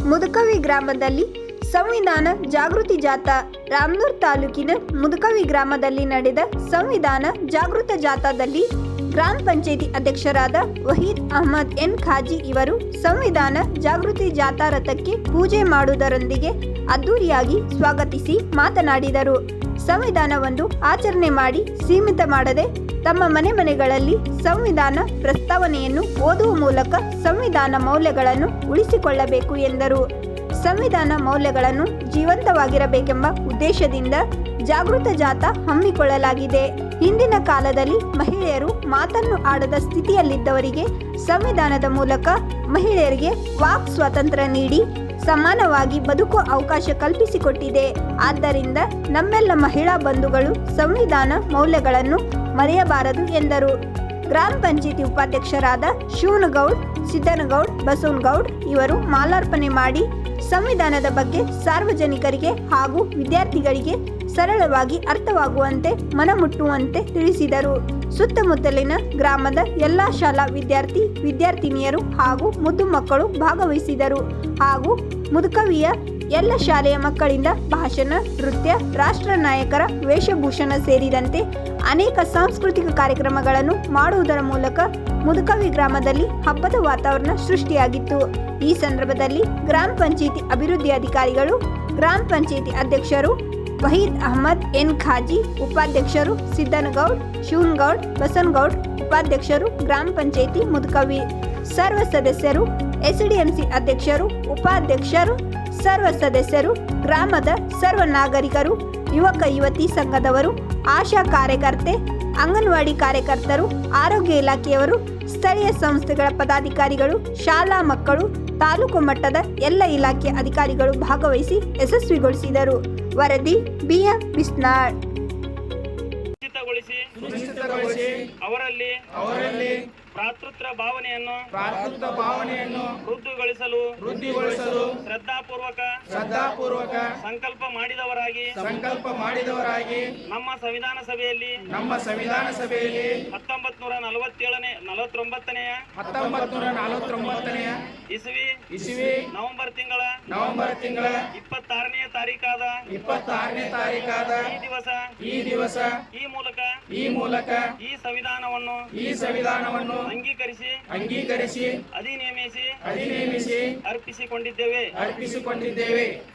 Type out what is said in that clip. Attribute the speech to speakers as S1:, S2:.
S1: ಮುದುಕವಿ ಗ್ರಾಮದಲ್ಲಿ ಸಂವಿಧಾನ ಜಾಗೃತಿ ಜಾಥಾ. ರಾಮನೂರ್ ತಾಲೂಕಿನ ಮುದುಕವಿ ಗ್ರಾಮದಲ್ಲಿ ನಡೆದ ಸಂವಿಧಾನ ಜಾಗೃತ ಜಾಥಾದಲ್ಲಿ ಗ್ರಾಮ ಪಂಚಾಯಿತಿ ಅಧ್ಯಕ್ಷರಾದ ವಹೀದ್ ಅಹಮದ್ ಎನ್ ಖಾಜಿ ಇವರು ಸಂವಿಧಾನ ಜಾಗೃತಿ ಜಾಥಾ ರಥಕ್ಕೆ ಪೂಜೆ ಮಾಡುವುದರೊಂದಿಗೆ ಅದ್ದೂರಿಯಾಗಿ ಸ್ವಾಗತಿಸಿ ಮಾತನಾಡಿದರು. ಸಂವಿಧಾನವನ್ನು ಆಚರಣೆ ಮಾಡಿ ಸೀಮಿತ ಮಾಡದೆ ತಮ್ಮ ಮನೆಗಳಲ್ಲಿ ಸಂವಿಧಾನ ಪ್ರಸ್ತಾವನೆಯನ್ನು ಓದುವ ಮೂಲಕ ಸಂವಿಧಾನ ಮೌಲ್ಯಗಳನ್ನು ಉಳಿಸಿಕೊಳ್ಳಬೇಕು ಎಂದರು. ಸಂವಿಧಾನ ಮೌಲ್ಯಗಳನ್ನು ಜೀವಂತವಾಗಿರಬೇಕೆಂಬ ಉದ್ದೇಶದಿಂದ ಜಾಗೃತ ಜಾಥಾ ಹಮ್ಮಿಕೊಳ್ಳಲಾಗಿದೆ. ಹಿಂದಿನ ಕಾಲದಲ್ಲಿ ಮಹಿಳೆಯರು ಮಾತನ್ನು ಆಡದ ಸ್ಥಿತಿಯಲ್ಲಿದ್ದವರಿಗೆ ಸಂವಿಧಾನದ ಮೂಲಕ ಮಹಿಳೆಯರಿಗೆ ವಾಕ್ ಸ್ವಾತಂತ್ರ್ಯ ನೀಡಿ ಸಮಾನವಾಗಿ ಬದುಕುವ ಅವಕಾಶ ಕಲ್ಪಿಸಿಕೊಟ್ಟಿದೆ. ಆದ್ದರಿಂದ ನಮ್ಮೆಲ್ಲ ಮಹಿಳಾ ಬಂಧುಗಳು ಸಂವಿಧಾನ ಮೌಲ್ಯಗಳನ್ನು ಮರೆಯಬಾರದು ಎಂದರು. ಗ್ರಾಮ ಪಂಚಾಯಿತಿ ಉಪಾಧ್ಯಕ್ಷರಾದ ಶಿವನಗೌಡ್, ಸಿದ್ದನಗೌಡ್, ಬಸವನಗೌಡ್ ಇವರು ಮಾಲಾರ್ಪಣೆ ಮಾಡಿ ಸಂವಿಧಾನದ ಬಗ್ಗೆ ಸಾರ್ವಜನಿಕರಿಗೆ ಹಾಗೂ ವಿದ್ಯಾರ್ಥಿಗಳಿಗೆ ಸರಳವಾಗಿ ಅರ್ಥವಾಗುವಂತೆ ಮನಮುಟ್ಟುವಂತೆ ತಿಳಿಸಿದರು. ಸುತ್ತಮುತ್ತಲಿನ ಗ್ರಾಮದ ಎಲ್ಲ ಶಾಲಾ ವಿದ್ಯಾರ್ಥಿನಿಯರು ಹಾಗೂ ಮುದ್ದು ಮಕ್ಕಳು ಭಾಗವಹಿಸಿದರು. ಹಾಗೂ ಮುದುಕವಿಯ ಎಲ್ಲ ಶಾಲೆಯ ಮಕ್ಕಳಿಂದ ಭಾಷಣ, ನೃತ್ಯ, ರಾಷ್ಟ್ರ ನಾಯಕರ ವೇಷಭೂಷಣ ಸೇರಿದಂತೆ ಅನೇಕ ಸಾಂಸ್ಕೃತಿಕ ಕಾರ್ಯಕ್ರಮಗಳನ್ನು ಮಾಡುವುದರ ಮೂಲಕ ಮುದುಕವಿ ಗ್ರಾಮದಲ್ಲಿ ಹಬ್ಬದ ವಾತಾವರಣ ಸೃಷ್ಟಿಯಾಗಿತ್ತು. ಈ ಸಂದರ್ಭದಲ್ಲಿ ಗ್ರಾಮ ಪಂಚಾಯಿತಿ ಅಭಿವೃದ್ಧಿ ಅಧಿಕಾರಿಗಳು, ಗ್ರಾಮ ಪಂಚಾಯಿತಿ ಅಧ್ಯಕ್ಷರು ವಹೀದ್ ಅಹಮದ್ ಎನ್ ಖಾಜಿ, ಉಪಾಧ್ಯಕ್ಷರು ಸಿದ್ದನಗೌಡ್, ಶಿವನಗೌಡ್, ಬಸನಗೌಡ್, ಉಪಾಧ್ಯಕ್ಷರು ಗ್ರಾಮ ಪಂಚಾಯಿತಿ ಮುದುಕವಿ, ಸರ್ವ ಸದಸ್ಯರು, ಎಸ್ಡಿಎಂಸಿ ಅಧ್ಯಕ್ಷರು, ಉಪಾಧ್ಯಕ್ಷರು, ಸರ್ವ ಸದಸ್ಯರು, ಗ್ರಾಮದ ಸರ್ವ ನಾಗರಿಕರು, ಯುವಕ ಯುವತಿ ಸಂಘದವರು, ಆಶಾ ಕಾರ್ಯಕರ್ತೆ, ಅಂಗನವಾಡಿ ಕಾರ್ಯಕರ್ತರು, ಆರೋಗ್ಯ ಇಲಾಖೆಯವರು, ಸ್ಥಳೀಯ ಸಂಸ್ಥೆಗಳ ಪದಾಧಿಕಾರಿಗಳು, ಶಾಲಾ ಮಕ್ಕಳು, ತಾಲೂಕು ಮಟ್ಟದ ಎಲ್ಲ ಇಲಾಖೆಯ ಅಧಿಕಾರಿಗಳು ಭಾಗವಹಿಸಿ ಯಶಸ್ವಿಗೊಳಿಸಿದರು. ವರದಿ ಬಿಎಂ ಬಿಸ್ನಾಳ್.
S2: ಸುನಿಶ್ಚಿತಗೊಳಿಸಿ ಅವರಲ್ಲಿ ಭ್ರಾತೃತ್ವ ಭಾವನೆಯನ್ನು ವೃದ್ಧಿಗೊಳಿಸಲು ಶ್ರದ್ಧಾಪೂರ್ವಕ ಸಂಕಲ್ಪ ಮಾಡಿದವರಾಗಿ ನಮ್ಮ ಸಂವಿಧಾನ ಸಭೆಯಲ್ಲಿ 1949 ಇಸವಿ ನವೆಂಬರ್ ತಿಂಗಳ 26ನೇ ತಾರೀಕಾದ ಈ ದಿವಸ ಈ ಮೂಲಕ ಈ ಸಂವಿಧಾನವನ್ನು ಅಂಗೀಕರಿಸಿ ಅಧಿನೇಮಿಸಿ ಅರ್ಪಿಸಿಕೊಂಡಿದ್ದೇವೆ.